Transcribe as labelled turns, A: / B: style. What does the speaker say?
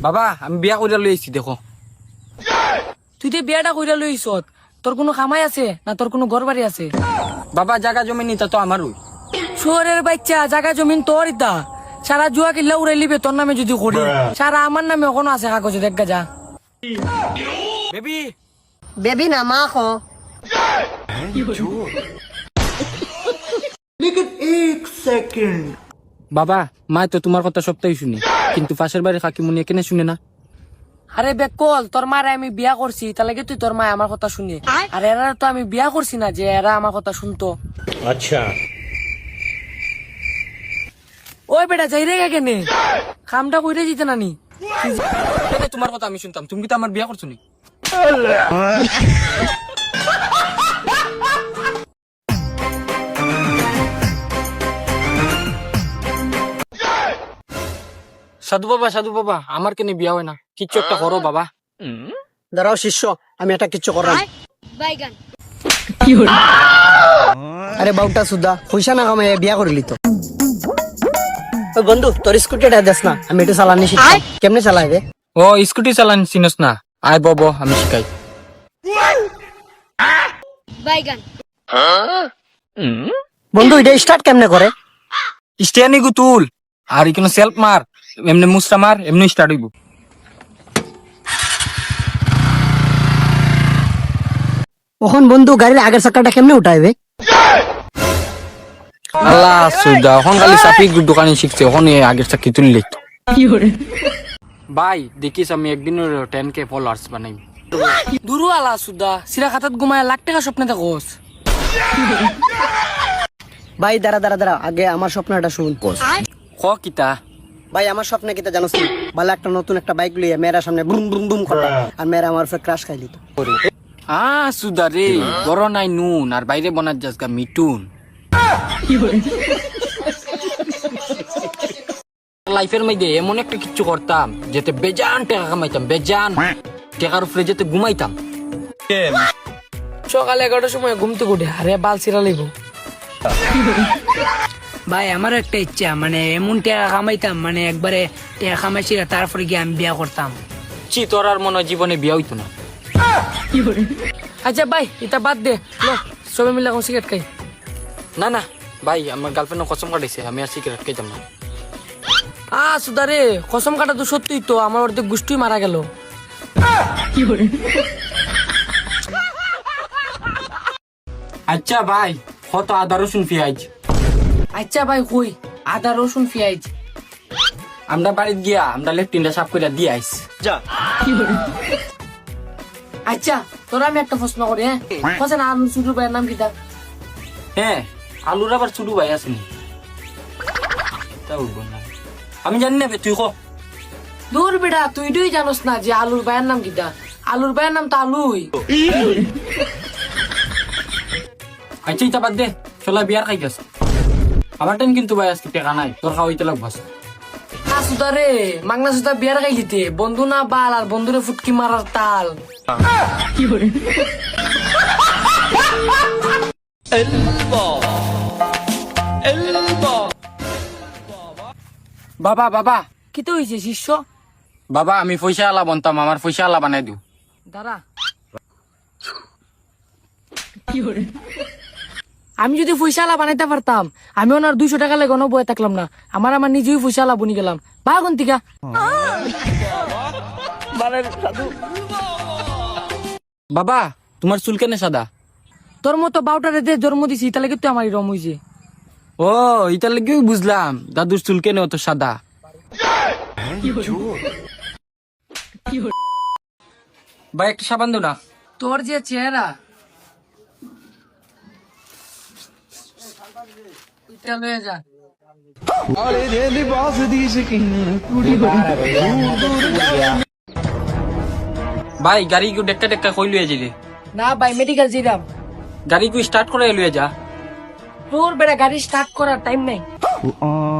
A: বাবা আমি বিয়া কইরা লই আইছি দেখো।
B: তুই যে বিয়াটা কইরা লইছ তোর কোনো কামাই আছে না তোর কোনো ঘর বাড়ি আছে?
A: বাবা জায়গা জমি নিতা তো আমারই।
B: শহরের বাচ্চা জায়গা জমিন তোর ইতা সারা জুয়া কিল্লা উড়াই লিবে তোর নামে যদি করি সারা আমার নামে ওখানে আছে কাগজে দেখা যা।
A: বেবি
C: বেবি না মা খো।
A: বাবা মা তো তোমার কথা সপ্তাহে শুনি, কিন্তু পাশের বাড়ির কাকিমুনি এখানে শুনে না।
B: আরে বেকল তোর মারে আমি বিয়া করছি তার লাগে তুই তোর মা আমার কথা শুনে, আর এরা তো আমি বিয়া করছি না যে এরা আমার কথা শুনতো।
D: अच्छा
B: ওই বেটা যাই রে কেনে কামটা কইরে দিতে নানি।
A: তোমার কথা আমি শুনতাম, তুমি কি তো আমার বিয়া করছো নি? সাধু বাবা আমার কেন বিয়া হয় না? কিচ্ছু একটা করো বাবা।
C: দাঁড়াও শিষ্য, আমি একটা কিচ্ছু করলাম। আরে বাউটা সুদা পয়সা না কামাই বিয়া করলি তো। ওই বন্ধু তোর স্কুটিটা দেস না, আমি একটু চালানি শিখছি কেমনে চালাইবে।
A: ও স্কুটি চালান চিনস না? আয় বাবা আমি শিখাই।
C: বন্ধু এটা স্টার্ট কেমনে করে?
A: স্টিয়ানি গু তুল আর এখানে সেলফ মার, এমনি মুসরা মার, এমনি স্টার্ট হইব।
C: ওখান বন্ধু গাড়ির আগের চাকাটা কেমনে উঠাইবে?
A: আল্লাহ সুদা এখন খালি চাপি দোকানে শিখছে, ওখানে আগের চাকরি তুললে তো। ভাই দেখিস আমি একদিনের 10K ফলোয়ার্স বানাই।
B: দুরু আলা সুদা সিরা খাতাত ঘুমায় লাখ টাকা স্বপ্নে থাকোস।
C: ভাই দাঁড়া দাঁড়া দাঁড়া, আগে আমার স্বপ্নটা শুন।
A: ক কিতা?
C: ভাই আমার স্বপ্নে কিতা জানোস না? ভালো একটা নতুন একটা বাইক লইয়া মেয়েরা সামনে বুম বুম বুম করলা, আর মেয়েরা আমার উপরে ক্রাশ খাইলি তো।
A: সুদা রে বড় নাই নুন আর বাইরে বনার যাসগা মিটুন। লাইফের মধ্যে এমন একটা কিছু করতাম যেতে বেজান টাকা কামাইতাম, বেজান টাকার উপরে যেতে ঘুমাইতাম।
B: সকাল 11টার সময় ঘুম থেকে উঠে আরে বাল সিরা লইব। ভাই আমারও একটা ইচ্ছা, মানে এমন টাকা কামাইতাম মানে একবারে টাকা কামাইছি তারপরে গিয়ে আমি বিয়া করতাম।
A: চি তোর আর মনে হয় জীবনে বিয়া হইতো না।
B: আচ্ছা ভাই এটা বাদ দে, লো সবাই মিলে এখন সিগারেট খাই।
A: না না ভাই আমার গার্লফ্রেন্ড কসম কাটাইছে, আমি আর সিগারেট খাইতাম না।
B: সুদা রে কসম কাটা তো সত্যি তো, আমার অর্ধেক গোষ্ঠী মারা গেল।
A: আচ্ছা ভাই কত আদা রসুন পেঁয়াজ?
B: আচ্ছা ভাই কই আদা রসুন পেঁয়াজ?
A: আমরা বাড়িতে গিয়া আমরা লেফটিনটা সাফ করে দিয়ে আইস।
B: আচ্ছা তোরা আমি একটা প্রশ্ন করি, হ্যাঁ হোসেন আলু ছোট ভাইয়ের নাম কিটা?
A: হ্যাঁ আলুর আবার ছোট ভাই আসেনি, তা উঠবো না আমি জানি না, তুই কো।
B: দূর বেটা তুই দুই জানোস না যে আলুর ভাইয়ের নাম কিটা? আলুর ভাইয়ের নাম তো আলুই।
A: আচ্ছা ইতা বাদ দে, চলা বিয়ার খাই গেছে। আমার টাইম কিন্তু ভাই আজকে টাকা নাই, তোর খাওয়াইতে লাগবো।
B: সুদা রে মাগনা সুদা বিয়ার খাই দিতে বন্ধু না বাল আর বন্ধুরে ফুটকি মারার তাল।
A: বাবা বাবা
B: কি তো হয়েছে শিষ্য?
A: বাবা আমি পয়সা আলা বনতাম, আমার পয়সা আলা বানাই দিও।
B: দাঁড়া আমি যদি পয়সালা বানাইতে পারতাম আমি ওনার 200 টাকা লেগে বয়ে থাকলাম না, আমার নিজেই পয়সালা বনি গেলাম। বা গন্তিকা
A: বাবা তোমার চুল কেন সাদা?
B: তোর মতো বাউটারে যে জন্ম দিছি তাহলে কিন্তু আমার রম হয়েছে।
A: ও ইটার লেগেও বুঝলাম দাদুর চুল কেন অত সাদা। ভাই একটা সাবান দো না।
B: তোর যে চেহারা এটা লয়ে যা।
A: ভাই গাড়ি কু ডেক্কা ডেক্কা কই লুয়ে যাইলে?
B: না ভাই মেডিকেল যাইলাম।
A: গাড়ি কু স্টার্ট করে লুয়ে যা।
B: তোর বেটা গাড়ি স্টার্ট করার টাইম নাই।